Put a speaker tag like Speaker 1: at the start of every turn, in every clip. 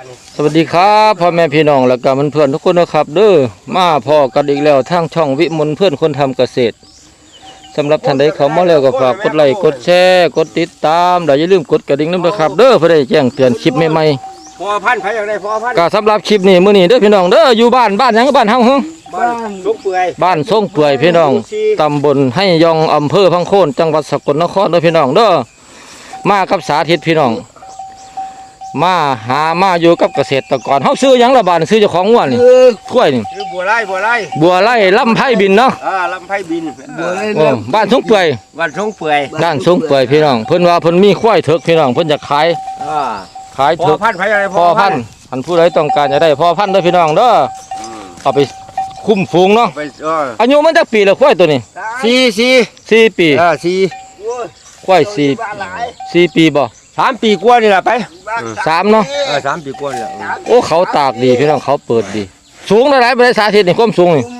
Speaker 1: สวัสดีครับพ่อแม่พี่น้องและก็เพื่อนๆทุกคนนะครับเด้อมาพอกันอีกแล้วทางช่องวิมลเพื่อนคนทำเกษตรสำหรับท่านใดเขามาแล้วก็ฝากกดไลค์กดแชร์กดติดตามและอย่าลืมกดกระดิ่งด้วยนะครับเด้อเพื่อได้แจ้งเตือนคลิปใหม่
Speaker 2: พอพันธุ์ไผอย่างไรพอพันธุ์
Speaker 1: ก็สำหรับคลิปนี้มื้อนี้เด้อพี่น้องเด้ออยู่บ้านหยังบ้านเฮาหึ
Speaker 2: บ้านลุกเปื่อย
Speaker 1: บ้านทรงเปื่อยพี่น้องตำบลให้ยองอำเภอพังโคนจังหวัดสกลนครเด้อพี่น้องเด้อมากับสาธิตพี่น้องมาอยู่กับเกษตรกรเฮาซื้อหยังละบาดซื้อเจ้าของงัวนี่ถ้วยนี่
Speaker 2: คือบัวไร่
Speaker 1: ลำไผ่บินเนาะ
Speaker 2: ลำไผ่บิน
Speaker 1: บ้านทรงเปื่อย
Speaker 2: บ้านทรงเปื่อย
Speaker 1: บ้านทรงเปื่อยพี่น้องเพิ่นว่าเพิ่นมีควายเถิกพี่น้องเพิ่นจะขาย
Speaker 2: พอพันธุ์ไผอย่างไร
Speaker 1: พอพันธุ์อันผู้ใดต้องการจะได้พอพันธุ์เด้อพี่น้องเด้อเอาไปคุ้มฟูงเนาะอายุมันจักปีละควายตัวนี้4ปีควาย4ปีบ่
Speaker 2: 3 ปีกว่านี่แหละไป
Speaker 1: 3เนาะ
Speaker 2: 3 ปีกว่านี่แหละ
Speaker 1: โอ้เขาตากดีพี่น้องเขาเปิดดีสูงเท่าไหร่บ่ได้สาธิตนี่ความสูงนี่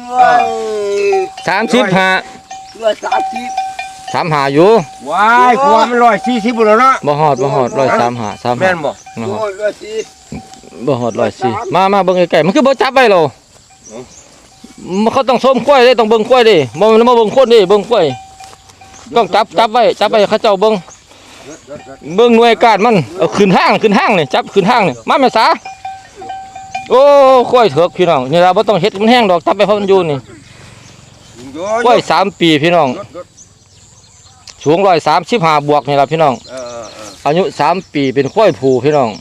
Speaker 1: 35อยู่
Speaker 2: ว้ายกว่ามัน140บ่แล้วเนาะ
Speaker 1: บ่ฮอด135
Speaker 2: แม่นบ่
Speaker 1: บ่ฮอด104มาเบิ่งใกล้ๆมันคือบ่จับไว้หรอเขาต้องส้มควายเด้ต้องเบิ่งควายเด้บ่แม่นมาเบิ่งคนเด้เบิ่งควายต้องจับไว้เขาเจ้าเบิ่งหน่วยการมันเอาขึ้นห้างนี่จับขึ้นห้างนี่มาแม่สาโอ้ควายเถิกพี่น้องนี่ล่ะบ่ต้องเฮ็ดมันแห้งดอกจับไปเพราะมันอยู่นี่ควาย3ปีพี่น้องสูง135บวกนี่ล่ะพี่น้องอายุ3ปีเป็นควายผูพี่น้อง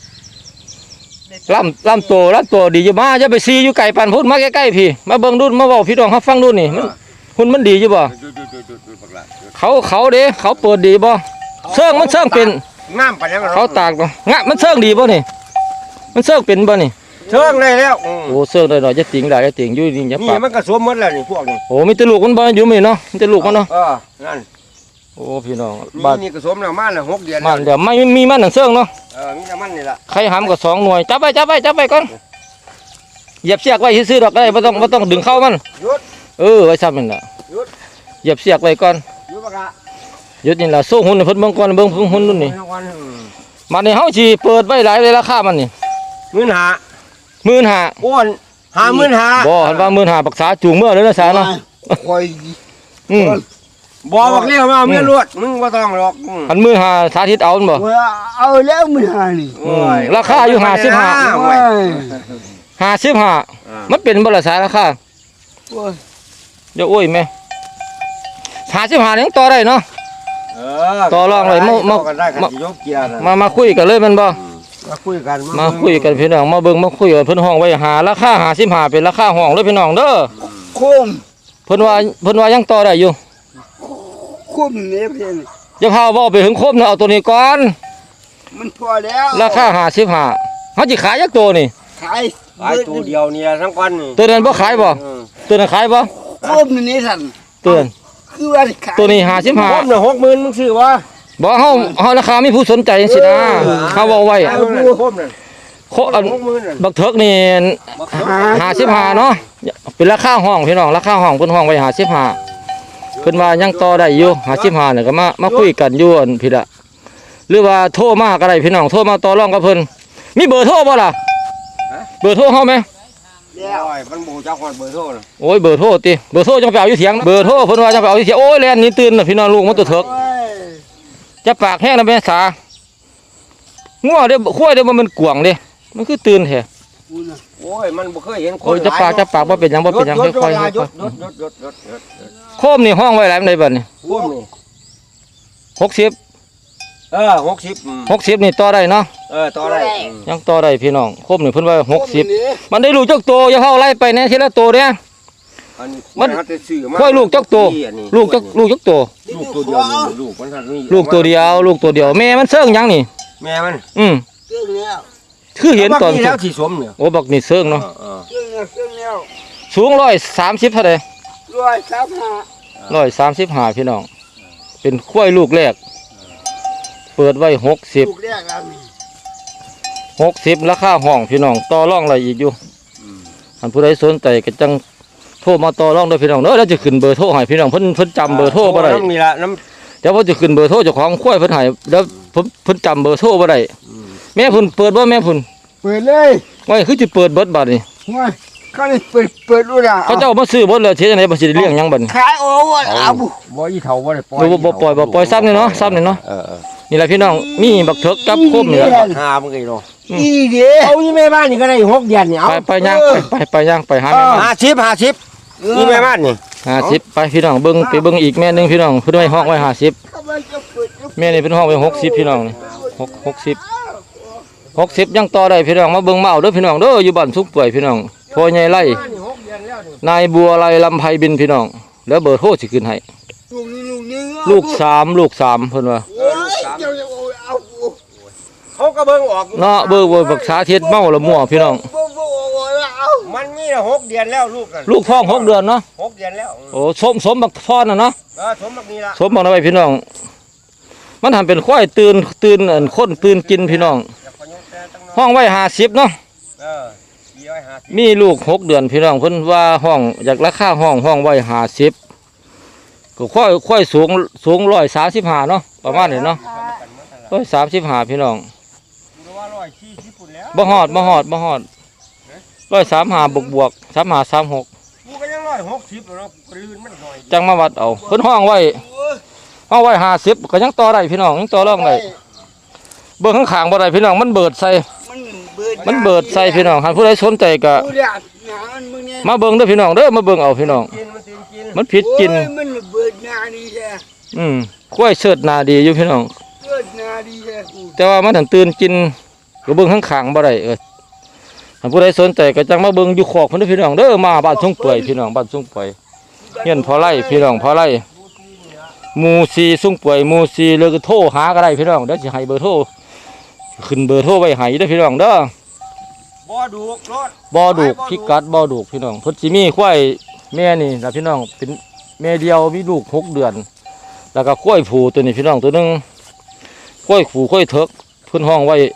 Speaker 1: ลำโตดีอยู่มาจะไปซีอยู่ไก่ปั่นพุ่นมาใกล้ๆพี่มาเบิ่งดูมาเว้าพี่น้องครับฟังดูนี่หุ่นมันดีอยู่บ่เขาเด้เขาเปิดดีบ่เชิงมันเชิงเป็น
Speaker 2: น้ำปานยัง
Speaker 1: เขาตากงะมันเชิงดีบ่นี่มันเชิงเป็นบ่นี่
Speaker 2: เชิงได้แล้ว
Speaker 1: โอ้เชิงได้หน่อยจะติ่งได้จะติ่งอยู่นี่อย่าปาก
Speaker 2: นี่มันก็สวมหมดแล้วนี่พวกนี้
Speaker 1: โอ้มีแต่ลูกมันบ่อยู่มีเนาะมีแต่ลูกมันเนาะ
Speaker 2: นั่น
Speaker 1: โอ้พี่น้องบ้าน
Speaker 2: นี่ก็สวมแล้วมาแล้ว6 เดือน
Speaker 1: มันเดี๋ยวไม่มีมันหนังเชิงเนาะ
Speaker 2: มีแต่มันนี่ล่ะ
Speaker 1: ใครหำก็2 หน่วยจับไว้ก่อนเหยียบเสียกไว้ซื่อๆดอกได้บ่ต้องดึงเข้ามันไว้ซ้ำนั่นล่ะเหยียบเสียกไว้ก่อนหยุดนี่ล่ะสู้หุ่นเพิ่นเบิ่งก่อนเบิ่งหุ่นนู่นนี่มันนี่เฮาสิเปิดไว้หลายเลยราคามันนี่15,000
Speaker 2: โอ้น55,000
Speaker 1: บ่หันว่า15,000ปักษาจูงเมื่อเลยนะสาเนาะ
Speaker 2: ค่อยบ่บักเลี้ยวมาเมียรวดมึงบ่ต้องหรอก
Speaker 1: อัน15,000สาธิตเอาบ่
Speaker 3: เอาแล้ว15,000นี่
Speaker 1: ราคาอยู่55มันเป็นบ่ล่ะสาราคาเดี๋ยวโอ้ยแม่55ยังต่อได้เนาะต่อรองเลยมาคุยกันเลยมันบ่
Speaker 2: มาคุย
Speaker 1: กันพี่น้องมาเบิ่งมาคุยกันเพิ่นห้องไว้หาราคา55เป็นราคาห้องเลยพี่น้องเด้อ
Speaker 3: คุ้ม
Speaker 1: เพิ่นว่ายังต่อได้อยู่
Speaker 3: คุ้มนี่เพิ่น
Speaker 1: อย่าพาเว้าไปถึงครบนะเอาตัวนี้ก่อน
Speaker 3: มันพอแล้ว
Speaker 1: ราคา55เฮาสิขายจักตัวนี่
Speaker 3: ขาย
Speaker 2: ตัวเดียวเนี่ยทั้งวันนี่
Speaker 1: ตัวนั้นบ่ขายบ่ตัวนั้นขายบ่
Speaker 3: คุ้มนี่ซั่น
Speaker 1: ตัวนั้น
Speaker 3: คือว่าขาย
Speaker 1: ตัวนี้55
Speaker 2: คุ้มน่ะ60,000มึงซื้อบ่
Speaker 1: บ่เฮาราคามีผู้สนใจจังซี่นะเฮาเว้าไว้
Speaker 2: คุ้มน่ะ
Speaker 1: บักเถิกนี่55เนาะเป็นราคาห้องพี่น้องราคาห้องเพิ่นห้องไว้55เพิ่นว่ายังต่อได้อยู่55นี่ก็มาคุยกันอยู่อันพี่ละหรือว่าโทรมาก็ได้พี่น้องโทรมาต่อรองกับเพิ่นมีเบอร์โทรบ่ล่ะเบอร์โทรเฮามั้ย
Speaker 2: มันบ่จักฮอดเบอร์โทรน่ะ
Speaker 1: โอ้ยเบอร์โทรติเบอร์โทรจังไปเอาอยู่เถียงเบอร์โทรเพิ่นว่าจังไปเอาอยู่เถียงโอ้ยแล่นนี่ตื่นน่ะพี่น้องลูกมันตัวเถิกจะปากแห้งนะแม่สางัวเด้ควายเด้มันกวางเด้มันคือตื่นแท้
Speaker 2: โอ้ยมันบ่เคยเห็นคน
Speaker 1: โอ้ยจะปากบ่เป็นหยังค่อยๆโคมนี่ห้องไว้หลายปานใดบัดนี้
Speaker 2: โคมนี่
Speaker 1: 60นี่ต่อได้เนาะ
Speaker 2: ต่อได้
Speaker 1: ยังต่อได้พี่น้องโคมนี่เพิ่นว่า60มันได้ลูกจักโตอย่าเฮาไล่ไปแน่ทีละโตเด้มันค่อยลูกจักโตลูกจักโต
Speaker 2: ลูกตัวเดียวลูกมันทันนี่
Speaker 1: ลูกตัวเดียวแม่มันเซิงหยังนี่
Speaker 2: แม่มัน
Speaker 3: เซิงแล้ว
Speaker 1: คือเห็นตอน
Speaker 2: แล้วที่สมเนี่ย
Speaker 1: โอ้บักนี่เซิงเนาะ
Speaker 3: เซิงแล้ว
Speaker 1: สูง130เท่าใด135พี่น้องเป็นควายลูกแรกเปิดไว้60
Speaker 3: ลูกแรกแล้ว
Speaker 1: 60ราคาห้องพี่น้องต่อรองอะไรอีกอยู่ท่านผู้ใดสนใจก็จังโทรมาต่อรองด้วยพี่น้องเด้อแล้วจะขึ้นเบอร์โทรให้พี่น้องเพิ่นจำเบอร์โทรบ่ได้
Speaker 2: นี่ล่ะ
Speaker 1: เดี๋ยวเพิ่นจะขึ้นเบอร์โทรเจ้าของควายเพิ่นให้แล้วเพิ่นจำเบอร์โทรบ่ได้แม่เพิ่นเปิดบ่แม่เพิ่น
Speaker 3: เปิดเลย
Speaker 1: ไว้คือสิเปิดเบิดบัดนี่
Speaker 3: ว่าเขานี่เปิดดูนะ
Speaker 1: เขาเจ้ามาซื้อเบิดเลยเฮ็ดจังไดบ่สิได้เลี้ยงหยังบัดนี้
Speaker 3: ขายโอ้เอาบุ
Speaker 2: บ่อีเฒ่าบ่ได้ปล่อย
Speaker 1: บ่ปล่อยซ้ำนี่เนาะซ้ำนี่เนาะ
Speaker 2: เออ
Speaker 1: นี่แหละพี่น้องมีบักเถิกกับโคมนี่แหละ
Speaker 2: หามึงไงเนาะ
Speaker 3: อีเด้
Speaker 2: เอาอีแม่บ้านนี่ก็ได้6เดือนนี่เอา
Speaker 1: ไปย่างไปย่างไปหาแม่มัน
Speaker 2: 50นี่แม่บ้านนี่
Speaker 1: 50ไปพี่น้องเบิ่งไปเบิ่งอีกแม่นึงพี่น้องเพิ่นไว้ห้องไว้50
Speaker 3: เขาไม่จะเปิด
Speaker 1: แม่นี่เป็นห้องไว้60พี่น้องนี่60ยังต่อได้พี่น้องมาเบิ่งมาเอาเด้อพี่น้องเด้ออยู่บ้านสุกป่วยพี่น้องพ่อใหญ่ไร่
Speaker 2: นี่6เดือนแล้วนี่
Speaker 1: นายบัวไร่ลำไพบินพี่น้องแล้วเบอร์โทรสิขึ้นให้
Speaker 3: ลูกนี่
Speaker 1: ลูก3เพิ่นว่า
Speaker 3: โอ้ยเจ้าจะเอา
Speaker 2: เขาก็เบิ่งออก
Speaker 1: เนาะเบอร์บักษาเทียดเมาละมั่วพี่น้อง
Speaker 3: เอา
Speaker 2: มันมี6เดือนแล้วลูกนั่น
Speaker 1: ลูกท้อง6เดือนเนาะ
Speaker 2: 6เดือนแล้ว
Speaker 1: โอ้สมบักพ่อน่ะเนาะ
Speaker 2: สมบักนี้ละ
Speaker 1: สมบักเอาไว้พี่น้อง มันทำเป็นควายตื่นอันคนตื่นกินพี่น้อง
Speaker 2: อย่าพยุงแต่ตั้งน้อย
Speaker 1: ห้องไว้50เนาะ
Speaker 2: 450
Speaker 1: มีลูก6เดือนพี่น้องเพิ่นว่าห้องอยากราคาห้องไว้50ก็ค่อยสูง135เนาะประมาณนี้เนาะ135พี่น้อง
Speaker 2: ดูว่า140พุ่นแล้ว
Speaker 1: บ่ฮอด135บวก3536
Speaker 2: กูก็ยัง160แล้วเนาะกูลืนมันหน่อย
Speaker 1: จังมาวัดเอาเพิ่นห้องไว้50ก็ยังต่อได้พี่น้องยังต่อรองได้เบิ่งข้างๆบ่ได้พี่น้องมันเบิดใส่พี่น้องหากผู้ใดสนใจก็
Speaker 3: ดูเดี๋ยวหนามึงเนี่ย
Speaker 1: มาเบิ่งเด้อพี่น้องเด้อมาเบิ่งเอาพี่น้อง
Speaker 2: กินมันกินกิน
Speaker 1: มันผิดกิน
Speaker 3: มันเบิดนาดีแท้
Speaker 1: ควายเชิดหน้าดีอยู่พี่น้อง
Speaker 3: เบิดนาดีแท้
Speaker 1: แต่ว่ามันถึงตื่นกินก็เบิ่งข้างๆบ่ได้ถ้าผู้ใดสนใจก็จังมาเบิ่งอยู่คอกเพิ่นเด้อพี่น้องเด้อมาบ้านทุ่งเปื่อยพี่น้องบ้านทุ่งเปื่อยเฮียนพอไร่พี่น้องพอไร่หมู่4ทุ่งเปื่อยหมู่4เลยก็โทรหาก็ได้พี่น้องเดี๋ยวสิให้เบอร์โทรขึ้นเบอร์โทรไว้ให้เด้อพี่น้องเด้อ
Speaker 2: บ่ดูรถ
Speaker 1: บ่อดูกพิกัดบ่อดูกพี่น้องเพิ่นสิมีควายแม่นี่ล่ะพี่น้องเป็นแม่เดียวมีลูก6 เดือน แล้วก็ควายผูตัวนี้พี่น้องตัวหนึงควายผูควายเถิกเพิ่นห้องไว้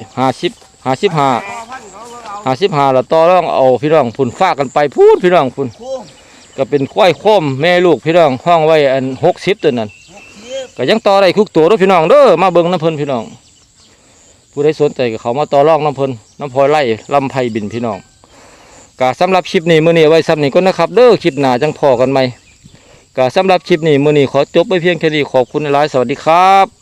Speaker 1: 55แล้วต่อรองเอาพี่น้องพุ่นฟากกันไปพูดพี่น้องพุ่น
Speaker 3: โค้ง
Speaker 1: ก็เป็นควายโคมแม่ลูกพี่น้องห้องไว้อัน60ตัวนั้นก็ยังต่อได้ทุกตัวเด้อพี่น้องเด้อมาเบิ่งน้ำเพิ่นพี่น้องผู้ใดสนใจก็เขามาต่อรองน้ำเพิ่นน้ำพลอยไร่ลำไพบินพี่น้องก็สำหรับคลิปนี้มื้อนี้ไว้ซ้ำนี้ก็นะครับเด้อคลิปหน้าจังพอกันใหม่ก็สำหรับคลิปนี้มื้อนี้ขอจบไปเพียงแค่นี้ขอบคุณหลายๆสวัสดีครับ